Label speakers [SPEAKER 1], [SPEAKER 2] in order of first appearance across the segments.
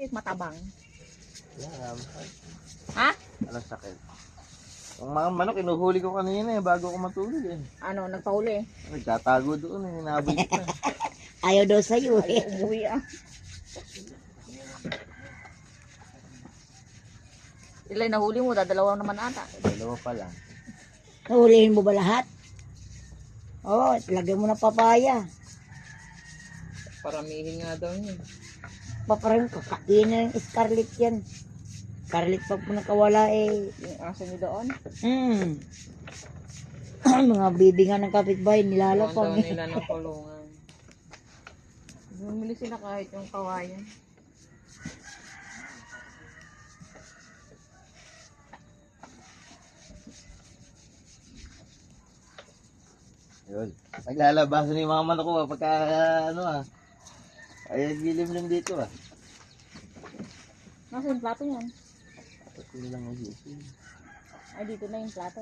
[SPEAKER 1] sakit, matabang.
[SPEAKER 2] Yeah,
[SPEAKER 1] Ha?
[SPEAKER 2] anong sakit? Ang mga manok, inuhuli ko kanina bago ako matulog
[SPEAKER 1] Ano, nagpahuli?
[SPEAKER 2] Nagtatago doon nabalik na.
[SPEAKER 3] Ayaw daw sa'yo
[SPEAKER 1] Ay, umuwi Ilay nahuli mo, dadalawa naman ata.
[SPEAKER 2] Dalawa pa lang.
[SPEAKER 3] Nahulihin mo ba lahat? Oo, lagyan mo ng papaya.
[SPEAKER 1] Paramihin nga daw niya.
[SPEAKER 3] Paparang kakain na yung scarlet yan. Scarlet pag po nakawala
[SPEAKER 1] Yung aso niyo doon?
[SPEAKER 3] Mga bibingan ng kapitbahay,
[SPEAKER 1] Doon
[SPEAKER 3] nilalapang.
[SPEAKER 1] daw nila ng kulungan. Bumili sila kahit yung kawayan.
[SPEAKER 2] Yun. Naglalabasan yung mga manok ko pagka ay gilimlim dito
[SPEAKER 1] Nasa yung plato yan?
[SPEAKER 2] Ito lang ang gising.
[SPEAKER 1] Ay, dito na yung plato.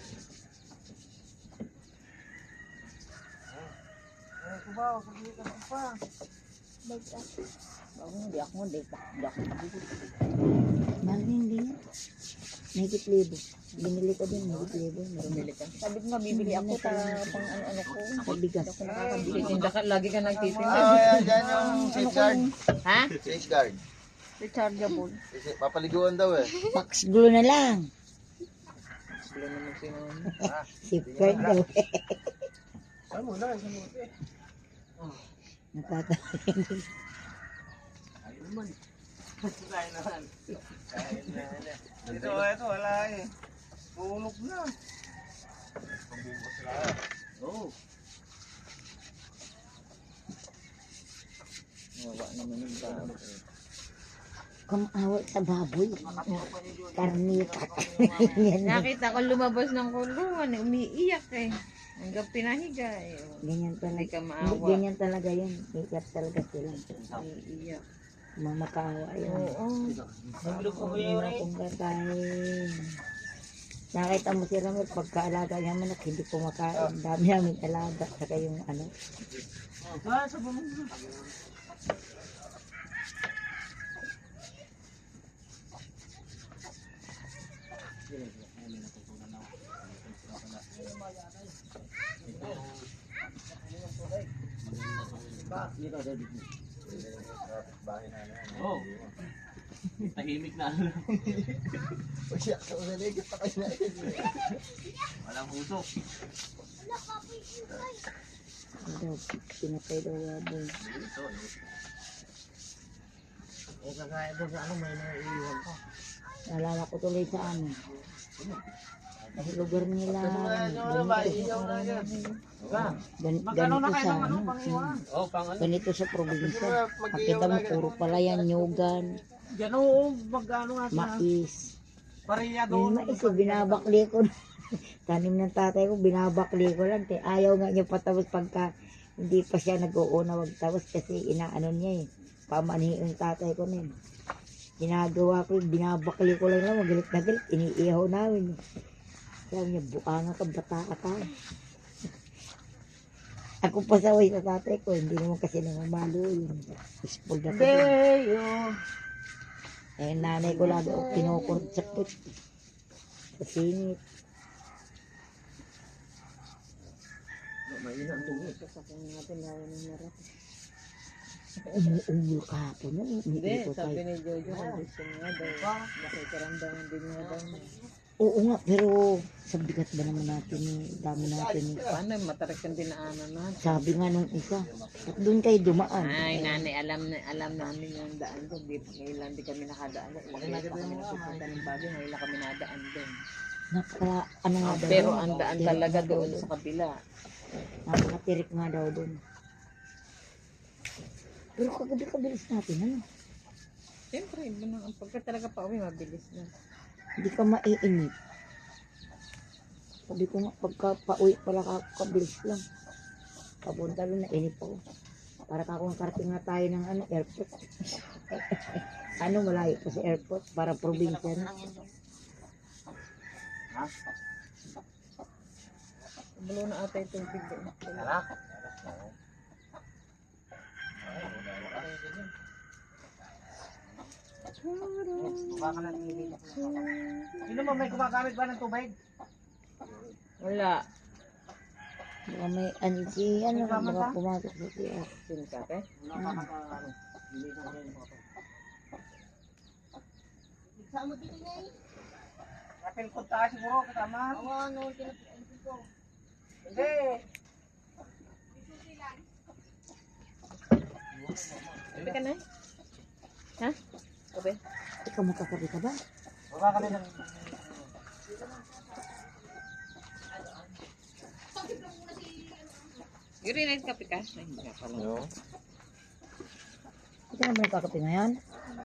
[SPEAKER 2] Ay, kubaw, sabihin ka lang pa.
[SPEAKER 1] Hindi ako
[SPEAKER 3] Mahal hindi yan. Mahigit libo. Binili ko din, mahigit libo.
[SPEAKER 1] bumili ka. Sabi ko nga, bibili ako pang ano ko.
[SPEAKER 3] Ako bigas.
[SPEAKER 1] Ako nakakabili. Tinda ka, lagi ka nagtitinda.
[SPEAKER 2] Ayan, dyan yung safeguard.
[SPEAKER 1] Ha?
[SPEAKER 2] Safeguard.
[SPEAKER 1] Rechargeable.
[SPEAKER 2] Kasi papaliguan daw
[SPEAKER 3] Max glue na lang.
[SPEAKER 1] Sila naman sinunod.
[SPEAKER 3] Safeguard daw.
[SPEAKER 2] Saan mo na? Saan mo na?
[SPEAKER 3] Nakatayin.
[SPEAKER 2] Ayun naman. Kain naman. Kain na. Ito, wala Tulog na. Pambubos na. Oo.
[SPEAKER 1] Wala naman yung tao.
[SPEAKER 3] Kumawal sa baboy. Karnita.
[SPEAKER 1] Nakita ko lumabas ng kulungan, umiiyak Hanggang pinahiga
[SPEAKER 3] Ganyan
[SPEAKER 1] Hindi
[SPEAKER 3] talaga.
[SPEAKER 1] ka maawa.
[SPEAKER 3] Ganyan talaga yun. Ikat talaga sila.
[SPEAKER 1] Umiiyak.
[SPEAKER 3] Mamakaawa yun.
[SPEAKER 1] Oo.
[SPEAKER 3] Hindi na akong kakain. Nakita mo si Ramel, pagkaalaga niya manok, hindi kumakain. Dami namin alaga. Saka yung ano.
[SPEAKER 2] Sa bumang.
[SPEAKER 4] Oh. Tahimik na.
[SPEAKER 2] Siya, sa unalig, patay na
[SPEAKER 4] Walang usok.
[SPEAKER 3] Ano, pinatay daw baboy.
[SPEAKER 2] kagaya doon sa may naiiwan pa.
[SPEAKER 3] Nalala ko tuloy sa ano. Sa lugar nila. Ganito sa ano.
[SPEAKER 4] Oh, pang ano?
[SPEAKER 3] Ganito sa probinsya. Pakita mo, puro pala yan, nyugan,
[SPEAKER 4] Yan o, magkano nga
[SPEAKER 3] mais.
[SPEAKER 4] Pariya
[SPEAKER 3] Yung mais ko, binabakli ko. Tanim ng tatay ko, binabakli ko lang. Ayaw nga niya patapos pagka hindi pa siya nag-uuna magtapos kasi inaano niya Pamani yung tatay ko na Ginagawa ko, binabakli ko lang magalit na galit. Iniihaw namin Sabi niya, buanga ka, bata ka pa. Ako pasaway sa tatay ko, hindi naman kasi namamalo yun. Spoiled ako dun. Nanay ko lagi ako kinukurot sa put. Sa singit.
[SPEAKER 2] Mainang tungo.
[SPEAKER 1] Sasakin natin lalo ng narap.
[SPEAKER 3] Umuungol ka po na.
[SPEAKER 1] Hindi, sabi ni Jojo, gusto niya daw. Nakikaramdaman din niya daw.
[SPEAKER 3] Oo nga, pero sa bigat ba naman natin dami natin
[SPEAKER 1] Paano, matarik ang dinaanan natin.
[SPEAKER 3] Sabi nga nung isa, at doon kayo dumaan.
[SPEAKER 1] Ay, nanay, alam namin yung daan doon. Ngayon lang di kami nakadaan doon. Ilang beses pa kami nagpupunta ng bagay. Ngayon lang kami nadaan doon.
[SPEAKER 3] Ano nga daw.
[SPEAKER 1] Pero ang daan talaga doon sa kabila.
[SPEAKER 3] Napakatirik nga daw doon. Pero kagabi-kabilis natin, ano?
[SPEAKER 1] Siyempre, pagka talaga pa uwi, mabilis na.
[SPEAKER 3] Hindi ka maiinip. Sabi ko nga, pagka pauwi pala kabilis lang. Papunta doon, nainip ako. Para kakong karating na tayo ng airport. Malayo pa sa airport, para probinsya na.
[SPEAKER 1] Bulo na ata yung tubig doon.
[SPEAKER 4] Baka na nililak. Sino mo may gumagamit ba ng tubig?
[SPEAKER 1] Wala.
[SPEAKER 3] Baka may ansi, ano, baka pumasok sa siya.
[SPEAKER 1] Sinasabi?
[SPEAKER 4] Wala pa ka ano. Nililak na rin mga. Kapil ko tayo siguro kasama. Oo, ano, kinapil ko. Hindi.
[SPEAKER 1] Kape ka na? Ha? Kape?
[SPEAKER 3] Ikaw magkakabi ka ba?
[SPEAKER 4] Baka kami ng...
[SPEAKER 1] Yuri na kape ka? Ay, hindi ka pala.
[SPEAKER 2] Yo.
[SPEAKER 3] Ikaw naman nagkakapi ngayon?